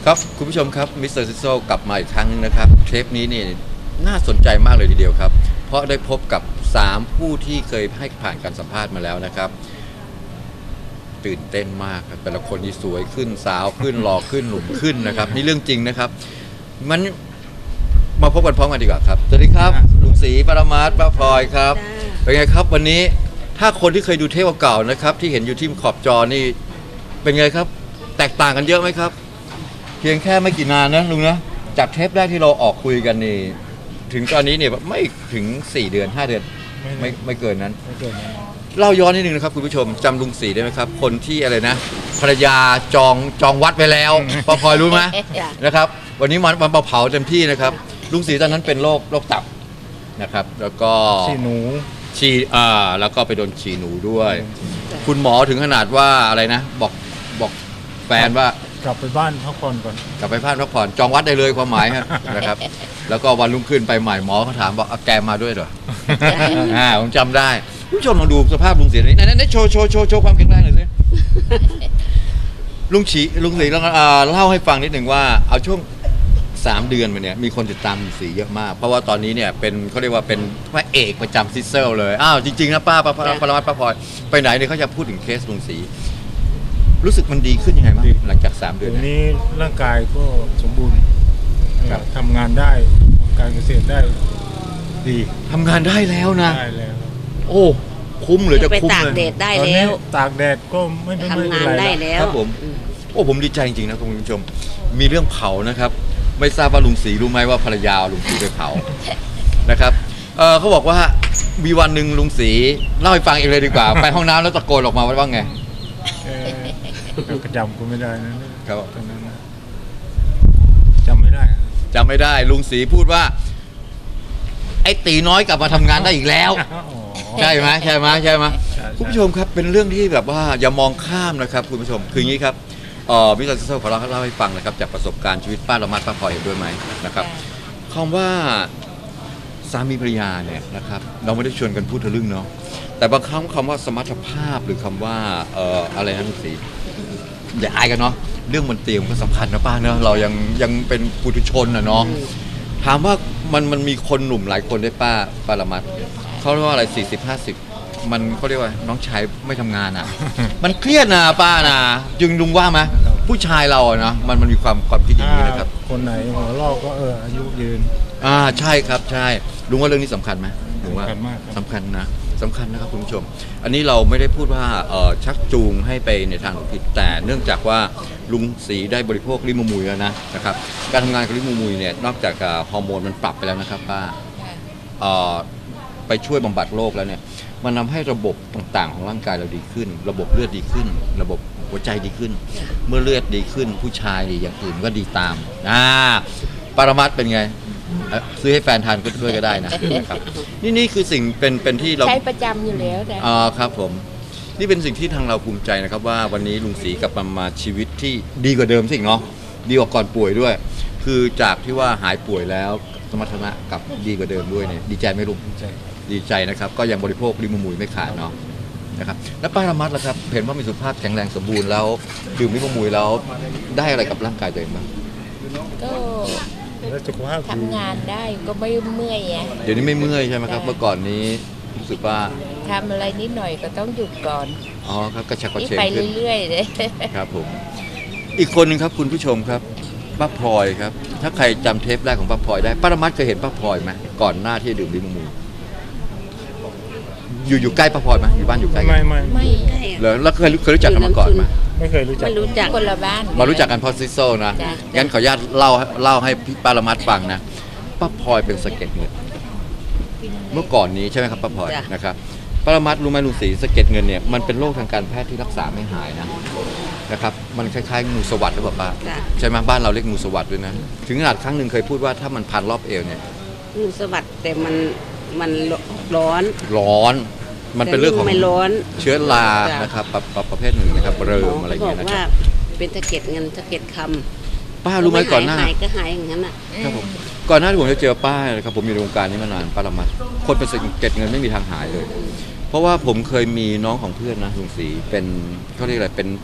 ครับคุณผู้ชมครับมิสเตอร์ซิโซกลับมาอีกครั้งนึงนะครับเทปนี้นี่น่าสนใจมากเลยทีเดียวครับเพราะได้พบกับ3ผู้ที่เคยให้ผ่านการสัมภาษณ์มาแล้วนะครับตื่นเต้นมากครับแต่ละคนนี่สวยขึ้นสาวขึ้นหล่อขึ้นหนุ่มขึ้นนะครับนี่เรื่องจริงนะครับมันมาพบกันพร้อมกันดีกว่าครับสวัสดีครับลุงศรีปรมาศป้าพลอยครับเป็นไงครับวันนี้ถ้าคนที่เคยดูเทปเก่าๆนะครับที่เห็นอยู่ที่ขอบจอนี่เป็นไงครับแตกต่างกันเยอะไหมครับเพียงแค่ไม่กี่นานนะลุงนะจากเทปแรกที่เราออกคุยกันนี่ถึงตอนนี้เนี่ยไม่ถึง4 เดือน 5 เดือนไม่เกินนั้นเล่าย้อนนิดนึงนะครับคุณผู้ชมจำลุงศรีได้ไหมครับคนที่อะไรนะภรรยาจองวัดไปแล้วป้าพลอยรู้ไหมนะครับวันนี้มันเผาเต็มที่นะครับลุงศรีตอนนั้นเป็นโรคตับนะครับแล้วก็ฉี่หนูแล้วก็ไปโดนฉี่หนูด้วยคุณหมอถึงขนาดว่าอะไรนะบอกแฟนว่ากลับไปบ้านพักผ่อนก่อนกลับไปบ้านพักผ่อนจองวัดได้เลยความหมายนะครับแล้วก็วันรุ่งขึ้นไปใหม่หมอเขาถามบอกแกมาด้วยเหรอผมจำได้ผู้ชมลองดูสภาพลุงศรีนี้นั่นโชว์ความแข็งแรงหน่อยสิลุงศรีเล่าให้ฟังนิดหนึ่งว่าเอาช่วง3 เดือนมาเนี่ยมีคนติดตามลุงศรีเยอะมากเพราะว่าตอนนี้เนี่ยเป็นเขาเรียกว่าเป็นพระเอกประจำซิสเซลเลยจริงๆนะป้าปรมัตถ์ป้าพลอยไปไหนเนี่ยเขาจะพูดถึงเคสลุงศรีรู้สึกมันดีขึ้นยังไงบ้างหลังจาก3 เดือนนี้ร่างกายก็สมบูรณ์ทำงานได้การเกษตรได้ดีทำงานได้แล้วนะได้แล้วโอ้คุ้มหรือจะคุ้มเลยตากแดดได้แล้วตากแดดก็ไม่ทำงานได้แล้วครับผมผมดีใจจริงๆนะคุณผู้ชมมีเรื่องเผานะครับไม่ทราบว่าลุงศรีรู้ไหมว่าภรรยาลุงศรีไปเผานะครับเขาบอกว่ามีวันหนึ่งลุงศรีเล่าให้ฟังเองเลยดีกว่าไปห้องน้ำแล้วตะโกนออกมาว่าไงก็จำกูไม่ได้นะครับตอนนั้นจำไม่ได้ลุงศรีพูดว่าไอ้ตีน้อยกลับมาทำงานได้อีกแล้วใช่ไหมคุณผู้ชมครับเป็นเรื่องที่แบบว่าอย่ามองข้ามนะครับคุณผู้ชมคืออย่างนี้ครับมิสเตอร์ซิสเตอร์ขอเล่าให้ฟังนะครับจากประสบการณ์ชีวิตป้าละมัดป้าพลอยเห็นด้วยไหมนะครับคำว่าสามีภรรยาเนี่ยนะครับเราไม่ได้ชวนกันพูดทะลึ่งเนาะแต่บางครั้งคำว่าสมรรถภาพหรือคำว่าอะไรนะลุงศรีอย่าอายกันเนาะเรื่องบนเตียงก็สำคัญนะป้าเนาะเรายังเป็นปุถุชนนะเนาะถามว่ามันมีคนหนุ่มหลายคนได้ป้าละมัดเขาเรียกว่าอะไร40-50มันเขาเรียกว่าน้องชายไม่ทำงานอ่ะมันเครียดนะป้านะจึงลุงว่าไหมผู้ชายเราเนาะมันมีความคิดอย่างนี้นะครับคนไหนหัวลอกก็อายุยืนใช่ครับใช่ลุงว่าเรื่องนี้สำคัญไหมลุงว่าสำคัญนะครับคุณผู้ชมอันนี้เราไม่ได้พูดว่าชักจูงให้ไปในทางผิดแต่เนื่องจากว่าลุงศรีได้บริโภคลิมูมุยแล้วนะครับการทำงานกับลิมูมุยเนี่ยนอกจากฮอร์โมนมันปรับไปแล้วนะครับป้าไปช่วยบำบัดโรคแล้วเนี่ยมันทำให้ระบบต่างๆของร่างกายเราดีขึ้นระบบเลือดดีขึ้นระบบหัวใจดีขึ้นเมื่อเลือดดีขึ้นผู้ชายอย่างอื่นก็ดีตามปรมัตถ์เป็นไงซื้อให้แฟนทานก็ด้วยก็ได้นะครับนี่คือสิ่งเป็นที่เราใช้ประจำอยู่แล้วครับผมนี่เป็นสิ่งที่ทางเราภูมิใจนะครับว่าวันนี้ลุงศรีกลับมาชีวิตที่ดีกว่าเดิมสิเนาะดีกว่าก่อนป่วยด้วยคือจากที่ว่าหายป่วยแล้วสมรรถนะกับดีกว่าเดิมด้วยเนี่ยดีใจไหมลุงดีใจนะครับก็ยังบริโภคลิมูมุยไม่ขาดเนาะนะครับแล้วป้าละมัดล่ะครับเห็นว่ามีสุขภาพแข็งแรงสมบูรณ์แล้วดื่มลิมูมุยแล้วได้อะไรกับร่างกายตัวเองบ้างก็ทำงานได้ก็ไม่เมื่อยเดี๋ยวนี้ไม่เมื่อยใช่ไหมครับเมื่อก่อนนี้รู้สึกว่าทำอะไรนิดหน่อยก็ต้องหยุดก่อนครับกระชับกระเฉงไปเรื่อยๆเลยครับผมอีกคนนึงครับคุณผู้ชมครับป้าพลอยครับถ้าใครจำเทปแรกของป้าพลอยได้ป้าละมัดเคยเห็นป้าพลอยไหมก่อนหน้าที่ดื่มลิมูมุยอยู่ใกล้ป้าพลอยไหมอยู่บ้านอยู่ใกล้ไม่แล้วเคยรู้จักกันมาก่อนไหมไม่เคยรู้จักคนละบ้านมารู้จักกันเพราะซิโซนะงั้นขออนุญาตเล่าให้พี่ป้าละมัดฟังนะป้าพลอยเป็นสะเก็ดเงินเมื่อก่อนนี้ใช่ไหมครับป้าพลอยนะครับป้าละมัดรู้ไหมลุงศรีสะเก็ดเงินเนี่ยมันเป็นโรคทางการแพทย์ที่รักษาไม่หายนะครับมันคล้ายๆงูสวัสด์หรือเปล่าป้าใช่ไหมบ้านเราเรียกงูสวัสด์ด้วยนะถึงขนาดครั้งหนึ่งเคยพูดว่าถ้ามันพันรอบเอวเนี่ยงูสวัสด์แต่มันร้อนมันเป็นเรื่องของเชื้อรานะครับประเภทหนึ่งนะครับเริมอะไรอย่างเงี้ยนะครับว่าเป็นสะเก็ดเงินสะเก็ดคำป้ารู้ไหมก่อนหน้าหายก็หายอย่างนั้นครับผมก่อนหน้าที่ผมจะเจอป้านะครับผมอยู่ในวงการนี้มานานป้าละมัดคนเป็นสะเก็ดเงินไม่มีทางหายเลยเพราะว่าผมเคยมีน้องของเพื่อนนะลุงศรีเป็นเขาเรียกอะไรเป็น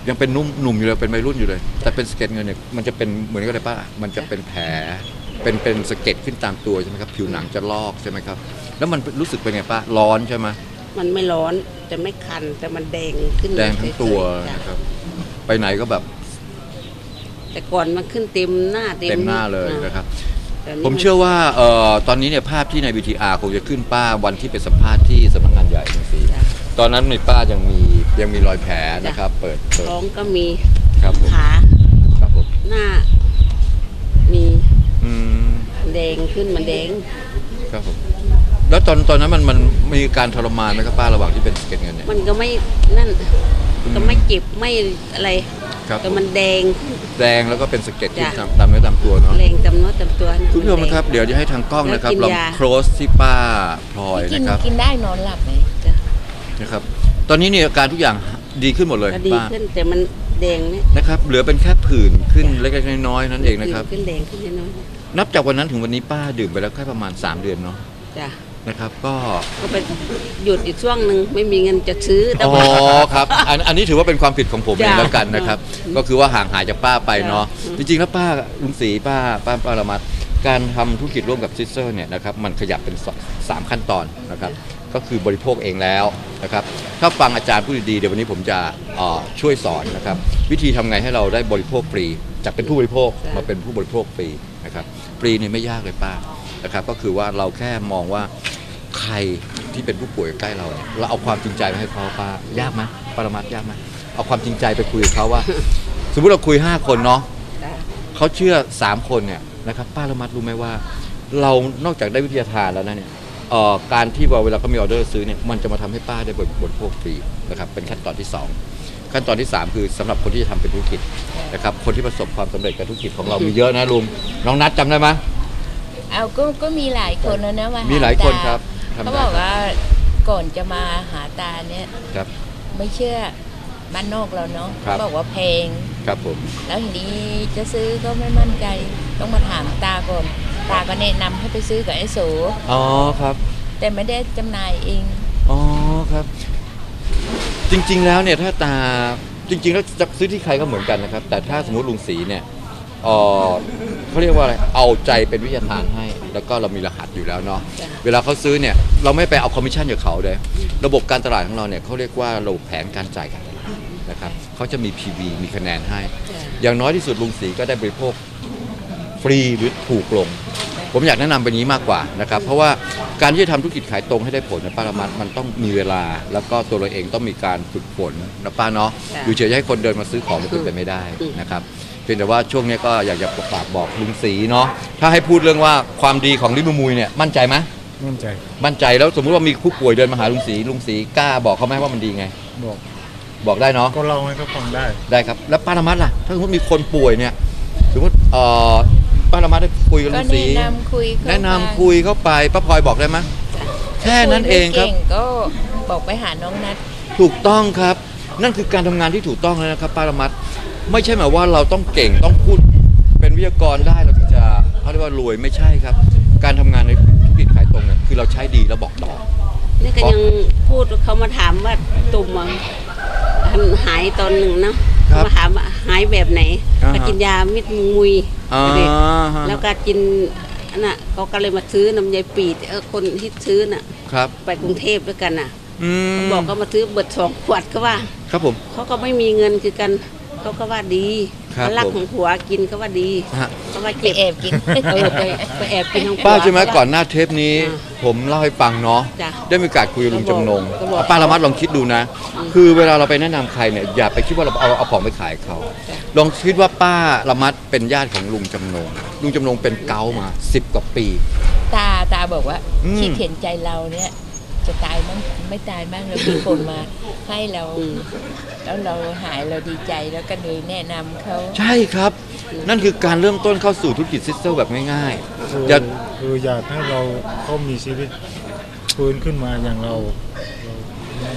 ยังเป็นหนุ่มอยู่เลยเป็นวัยรุ่นอยู่เลย แต่เป็นสะเก็ดเงินเนี่ยมันจะเป็นเหมือนกันเลยป้ามันจะเป็นแผลเป็นสะเก็ดขึ้นตามตัวใช่ไหมครับผิวหนังจะลอกใช่ไหมครับแล้วมันรู้สึกเป็นไงป้าร้อนใช่ไหมมันไม่ร้อนจะไม่คันแต่มันแดงขึ้นแดงทั้งตัวเฉยๆจ้ะนะครับไปไหนก็แบบแต่ก่อนมันขึ้นเต็มหน้าเต็มหน้าเลยนะครับแต่นี่ผมเชื่อว่าตอนนี้เนี่ยภาพที่ใน VTR คงจะขึ้นป้าวันที่ไปสัมภาษณ์ที่สำนักงานใหญ่สีจ้ะตอนนั้นในป้ายังมีรอยแผลนะครับ เปิดท้องก็มีครับผมขาครับผมหน้า มีอืมแดงขึ้นมันแดงครับผมแล้วตอนนั้นมันมีการทรมานไหมครับป้าระหว่างที่เป็นสะเก็ดเงินเนี่ยมันก็ไม่นั่นก็ไม่เจ็บไม่อะไรครับแต่มันแดงแดงแล้วก็เป็นสะเก็ดขึ้นจ้ะตามเนื้อตามตัวเนาะแรงจำเนื้อจำตัวนะคุณผู้ชมแดงนะครับเดี๋ยวจะให้ทางกล้องนะครับแล้วกินลองยาโคลสที่ป้าพลอยกินนะครับกินได้นอนหลับไหมจ้ะนะครับ ตอนนี้เนี่ยอาการทุกอย่างดีขึ้นหมดเลยก็ดีป้าขึ้นแต่มันแดงเนี่ยนะครับเหลือเป็นแค่ผื่นขึ้นเล็กๆน้อยๆนั่นเองนะครับขึ้นแดงขึ้นน้อยนับจากวันนั้นถึงวันนี้ป้าดื่มไปแล้วแค่ประมาณ3เดือนเนาะๆจ้ะนะครับก็ก็ไปหยุดอีกช่วงหนึ่งไม่มีเงินจะซื้อแต่อ๋อว่าครับอันนี้ถือว่าเป็นความผิดของผมเองจ้ะแล้วกันนะครับ ก็คือว่าห่างหายจากป้าไปเนาะจ้ะจริงๆแล้วป้าลุงศรีป้าละมัดการทำธุรกิจร่วมกับซิสเตอร์เนี่ยนะครับมันขยับเป็น3ขั้นตอนนะครับก็คือบริโภคเองแล้วนะครับถ้าฟังอาจารย์พูดดีๆเดี๋ยววันนี้ผมจะช่วยสอนนะครับวิธีทำไงให้เราได้บริโภคฟรีจากเป็นผู้บริโภคมาเป็นผู้บริโภคฟรีนะครับฟรีเนี่ยไม่ยากเลยป้านะครับก็คือว่าเราแค่มองว่าใครที่เป็นผู้ป่วยใกล้เราเนี่ยเราเอาความจริงใจมาให้เขาป้ายากไหมปรมัตถ์ยากไหมเอาความจริงใจไปคุยกับเขาว่า สมมุติเราคุย5คนเนาะจ้ะเขาเชื่อ3คนเนี่ยนะครับป้าละมัดรู้ไหมว่า เรานอกจากได้วิทยาทานแล้วนะเนี่ยการที่เวลาเขามีออเดอร์ซื้อเนี่ยมันจะมาทำให้ป้าได้บริโภคฟรีนะครับเป็นขั้นตอนที่ 2 ขั้นตอนที่ 3 คือสำหรับคนที่จะทำเป็นธุรกิจนะครับคนที่ประสบความสำเร็จกับธุรกิจของเรามีเยอะนะลุงน้องนัทจำได้ไหมเอาก็มีหลายคนแล้วนะมามีมีหลายคนครับทำได้เขาบอกว่าก่อนจะมาหาตาเนี่ยครับไม่เชื่อบ้านนอกเราเนาะครับเขาบอกว่าแพงครับผมแล้วทีนี้จะซื้อก็ไม่มั่นใจต้องมาถามตาก่อนตาก็แนะนำให้ไปซื้อกับไอ้โสอ๋อครับแต่ไม่ได้จำหน่ายเองอ๋อครับ จริงๆแล้วเนี่ยถ้าตาจริงๆแล้วจะซื้อที่ใครก็เหมือนกันนะครับ แต่ถ้าสมมติลุงศรีเนี่ยเขาเรียกว่าอะไรเอาใจเป็นวิทยาทานให้ แล้วก็เรามีรหัสอยู่แล้วเนาะจ้ะเวลาเขาซื้อเนี่ยเราไม่ไปเอาคอมมิชชั่นจากเขาเลยระบบการตลาดของเราเนี่ยเขาเรียกว่าระบบแผนการจ่ายการตลาดนะครับเขาจะมี PV มีคะแนนให้จ้ะอย่างน้อยที่สุดลุงศรีก็ได้บริโภคฟรีหรือถูกลง ผมอยากแนะนำเป็นนี้มากกว่านะครับเพราะว่าการที่จะทำธุรกิจขายตรงให้ได้ผลนะป้าละมัดมันต้องมีเวลา แล้วก็ตัวเราเองต้องมีการฝึกฝนนะป้าเนาะจ้ะอยู่เฉยๆให้คนเดินมาซื้อของมันเป็นไปไม่ได้นะครับเพียงแต่ว่าช่วงนี้ก็อยากจะฝากบอกลุงศรีเนาะถ้าให้พูดเรื่องว่าความดีของลิมูมุยเนี่ยมั่นใจไหมมั่นใจมั่นใจแล้วสมมุติว่ามีผู้ป่วยเดินมาหาลุงศรีกล้าบอกเขาไหมว่ามันดีไงบอกบอกได้เนาะก็เล่าให้เขาฟังได้ได้ครับแล้วป้าละมัดล่ะถ้าสมมติมีคนป่วยเนี่ยสมมติป้าละมัดได้คุยกับก็ลุงศรีแนะนำคุยเข้าแนะนำไปคุยเข้าไปป้าพลอยบอกได้ไหมแค่นั้นเองครับยไม่ก่ก็บอกไปหาน้องนัดถูกต้องครับ นั่นคือการทำงานที่ถูกต้องแล้วนะครับป้าละมัดไม่ใช่หมายว่าเราต้องเก่งต้องพูดเป็นวิทยากรได้เราถึงจะเขาเรียกว่ารวยไม่ใช่ครับ การทำงานในธุรกิจขายตรงเนี่ยคือเราใช้ดีแล้วบอกต่อนี่ก็ยังพูดเขามาถามว่าตุ่มอะหายตอนหนึ่งนะครับ มาถามว่าหายแบบไหนอ่าฮะก็กินยามิดมุยอ่า ฮะแล้วก็กินอันน่ะเขาก็เลยมาซื้อน้ำยายปีดคนที่ซื้อน่ะครับไปกรุงเทพด้วยกันน่ะอืมบอกก็มาซื้อเบิด2 ขวดก็ว่าครับผมเขาก็ไม่มีเงินคือกันเขาก็ว่าดีครับเขารักผมของผัวกินก็ว่าดีฮะเขาว่าไปเจ็บแอบกินไปแอบกินของผัวป้าใช่ไหมก่อนหน้าเทปนี้อ่าผมเล่าให้ฟังเนาะจ้ะได้มีโอกาสคุยกับลุงจำนงก็บอกป้าละมัดลองคิดดูนะ คือเวลาเราไปแนะนำใครเนี่ยอย่าไปคิดว่าเราเอาของไปขายเขาจ้ะลองคิดว่าป้าละมัดเป็นญาติของลุงจำนงลุงจำนงเป็นเกาต์มา10 กว่าปีตาบอกว่าอืมคิดเห็นใจเราเนี่ย จะตายบ้างไม่ตายบ้างเรามีคนมาให้เราอืมแล้วเราหายเราดีใจแล้วก็เลยแนะนำเขาใช่ครับ นั่นคือการเริ่มต้นเข้าสู่ธุรกิจซิสเตอร์แบบง่ายคือๆอย่าคืออยากให้เราเขามีชีวิตฟื้นขึ้นมาอย่างเรา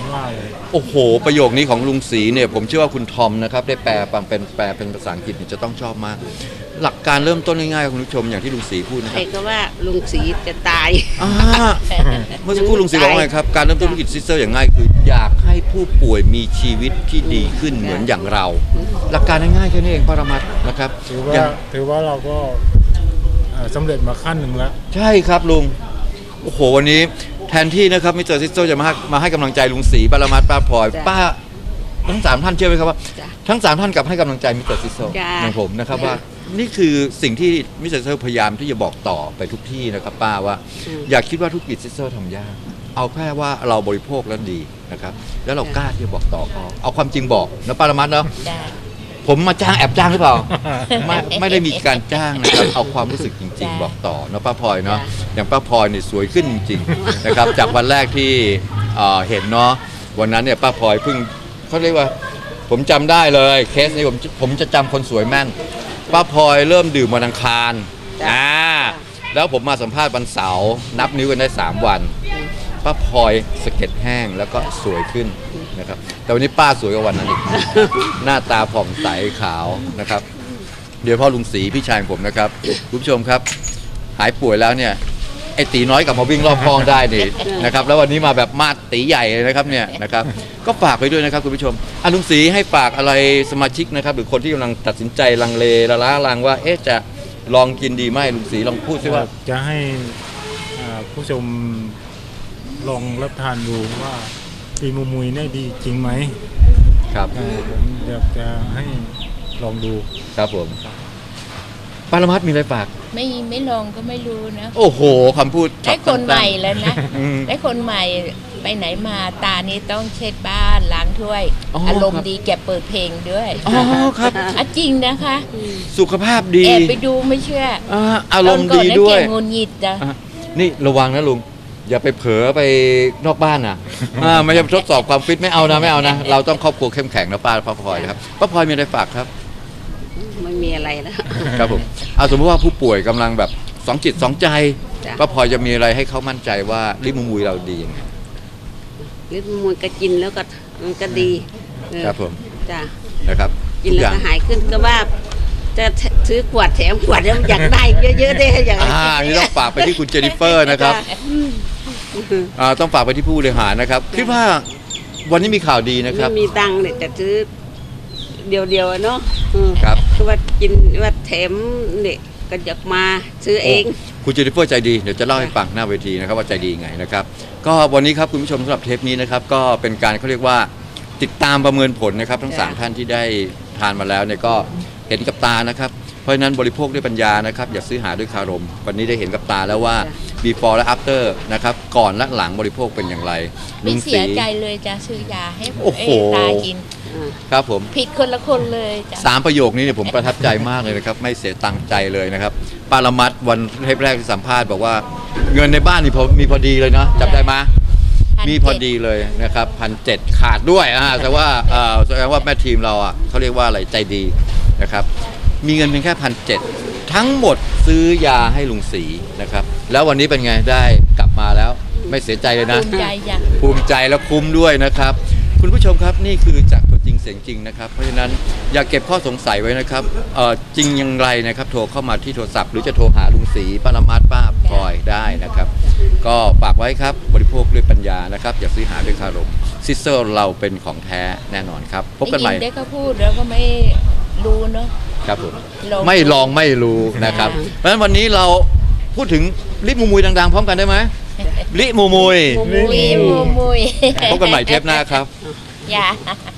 ว่าเลยโอ้โห ประโยคนี้ของลุงศรีเนี่ยผมเชื่อว่าคุณทอมนะครับได้แปลเป็นภาษาอังกฤษเนี่ยจะต้องชอบมาก หลักการเริ่มต้นง่ายๆคุณผู้ชมอย่างที่ลุงศรีพูดนะใคครรับก็ว่าลุงศรีจะตายอ่าเมื่อสักครู่ลุงศรีบอกว่าไงครับการเริ่มต้นธุรกิจซิสเตอร์อย่างง่ายคืออยากให้ผู้ป่วยมีชีวิตที่ดีขึ้นเหมือนอย่างเรา หลักการง่ายๆแค่นี้เองปรมัตถ์นะครับถือว่าเราก็สำเร็จมาขั้นหนึ่งแล้วใช่ครับลุงโอ้โหวันนี้แทนที่นะครับมิสเตอร์ซิสเตอร์จะมาให้กำลังใจลุงศรีปรมัตถ์ป้าพลอยจ้ะป้าทั้ง3ท่านเชื่อไหมครับว่าจ้ะทั้ง3ท่านกลับให้กำลังใจมิสเตอร์ซิสเตอร์จ้ะอย่างผมนะครับจ้ะว่านี่คือสิ่งที่มิสเตอร์ซิสเตอร์พยายามที่จะบอกต่อไปทุกที่นะครับป้าว่า อย่าคิดว่าธุรกิจซิสเตอร์ทำยากเอาแค่ว่าเราบริโภคแล้วดีนะครับแล้วเรากล้าที่จะบอกต่อเขาเอาความจริงบอกนะปรมัตถ์เนาะจ้าผมมาจ้างแอบจ้างหรือเปล่า ไม่ได้มีการจ้างนะครับเอาความรู้สึกจริงจ้ะๆ บอกต่อเนาะป้าพลอยเนาะจ้ะอย่างป้าพลอยเนี่ยสวยขึ้นจริงๆ นะครับจากวันแรกที่เห็นเนาะวันนั้นเนี่ยป้าพลอยเพิ่งเขาเรียกว่าผมจำได้เลยเคสนี้ผมจะจำคนสวยแม่นป้าพลอยเริ่มดื่มวันอังคารจ้ะแล้วผมมาสัมภาษณ์วันเสาร์นับนิ้วกันได้3 วันป้าพลอยสะเก็ดแห้งแล้วก็สวยขึ้นนะครับแต่วันนี้ป้าสวยกว่าวันนั้นอีก หน้าตาผ่องใสขาวนะครับ เดี๋ยวพ่อลุงศรีพี่ชายของผมนะครับคุณผู้ชมครับ หายป่วยแล้วเนี่ยไอ้ตีน้อยกลับมาวิ่งรอบคลองได้นี่นะครับแล้ววันนี้มาแบบมาดตีใหญ่เลยนะครับเนี่ยนะครับก็ฝากไปด้วยนะครับคุณผู้ชมลุงศรีให้ฝากอะไรสมาชิกนะครับหรือคนที่กำลังตัดสินใจลังเลละล้าลังว่าจะลองกินดีไหมลุงศรีลองพูดซิว่าจะให้ผู้ชมลองรับทานดูว่าปีมูมุยเนี่ยดีจริงไหมครับผมอยากจะให้ลองดูครับผมปารมัตถ์มีอะไรฝากไม่ลองก็ไม่รู้นะโอ้โหคำพูดได้คนใหม่แล้วนะอืมได้คนใหม่ไปไหนมาตานี้ต้องเช็ดบ้านล้างถ้วยอ๋อออารมณ์ดีแกเปิดเพลงด้วยอ๋อครับจริงนะคะสุขภาพดีแอบไปดูไม่เชื่ออารมณ์ตอนก่อนดีนั้นด้วยแกงุนหงิดจ้ะอ่ะนี่ระวังนะลุง อย่าไปเผลอไปนอกบ้านนะไม่ใช่ทดสอบความฟิตไม่เอานะเราต้องครอบครัวเข้มแข็งนะป้าพลอยนะครับป้าพลอยมีอะไรฝากครับไม่มีอะไรแล้วครับผมสมมติว่าผู้ป่วยกำลังแบบสองจิตสองใจจ้ะป้าพลอยจะมีอะไรให้เขามั่นใจว่าลิมูมุยเราดียังไงลิ้นมันก็กินแล้วก็มันก็ดีครับผมจ้ะนะครับกินแล้วก็หายขึ้นก็ว่าจะซื้อขวดแถมขวดแล้วอยากได้เยอะๆได้อยากได้นี่ต้องฝากไปที่คุณเจนนิเฟอร์นะครับ ต้องฝากไปที่ผู้บริหารนะครับคิดว่าวันนี้มีข่าวดีนะครับไม่มีตังค์เนี่ยจะซื้อเดียวๆเนาะครับคือว่ากินว่าแถมเนี่ยก็อยากมาซื้อเองคุณเจนนิเฟอร์ใจดีเดี๋ยวจะเล่าให้ฟังหน้าเวทีนะครับว่าใจดียังไงนะครับก็วันนี้ครับคุณผู้ชมสำหรับเทปนี้นะครับก็เป็นการเขาเรียกว่าติดตามประเมินผลนะครับทั้งจ้ะ 3ท่านที่ได้ทานมาแล้วเนี่ยก็เห็นกับตานะครับเพราะฉะนั้นบริโภคด้วยปัญญานะครับอย่าซื้อหาด้วยคารมวันนี้ได้เห็นกับตาแล้วว่า before และ after นะครับก่อนและหลังบริโภคเป็นอย่างไรไม่ลุงเสียใจเลยจะซื้อยาให้โอ้โหตากินครับผมผิดคนละคนเลยจ้ะ 3 ประโยคนี้เนี่ยผมประทับใจมากเลยนะครับไม่เสียตังค์ใจเลยนะครับปารมัตถ์วันเทปแรกที่สัมภาษณ์บอกว่าเงินในบ้านนี่มีพอดีเลยเนาะจำได้ไหม 1,700 มีพอดีเลยนะครับ1,700ขาดด้วยแต่ว่าแสดงว่าแม่ทีมเราเขาเรียกว่าอะไรใจดีนะครับมีเงินเพียงแค่1,700ทั้งหมดซื้อยาให้ลุงศรีนะครับแล้ววันนี้เป็นไงได้กลับมาแล้วไม่เสียใจเลยนะภูมิใจจ้ะภูมิใจและคุ้มด้วยนะครับคุณผู้ชมครับนี่คือจากตัวจริงเสียงจริงนะครับเพราะฉะนั้นอย่าเก็บข้อสงสัยไว้นะครับจริงอย่างไรนะครับโทรเข้ามาที่โทรศัพท์หรือจะโทรหาลุงศรีปรมัตถ์ป้าพลอยได้นะครับก็ฝากไว้ครับบริโภคด้วยปัญญานะครับอย่าซื้อหาด้วยคารมซิสเตอร์เราเป็นของแท้แน่นอนครับพบกันใหม่ได้ยินได้ก็พูดแล้วก็ไม่รู้เนาะครับผมลองไม่ลองไม่รู้นะครับเพราะฉะนั้นวันนี้เราพูดถึงลิปมูมุยดังๆ พร้อมกันได้ไหมลิมูมุยมุยมุยพบกันใหม่เทปหน้าครับอย่า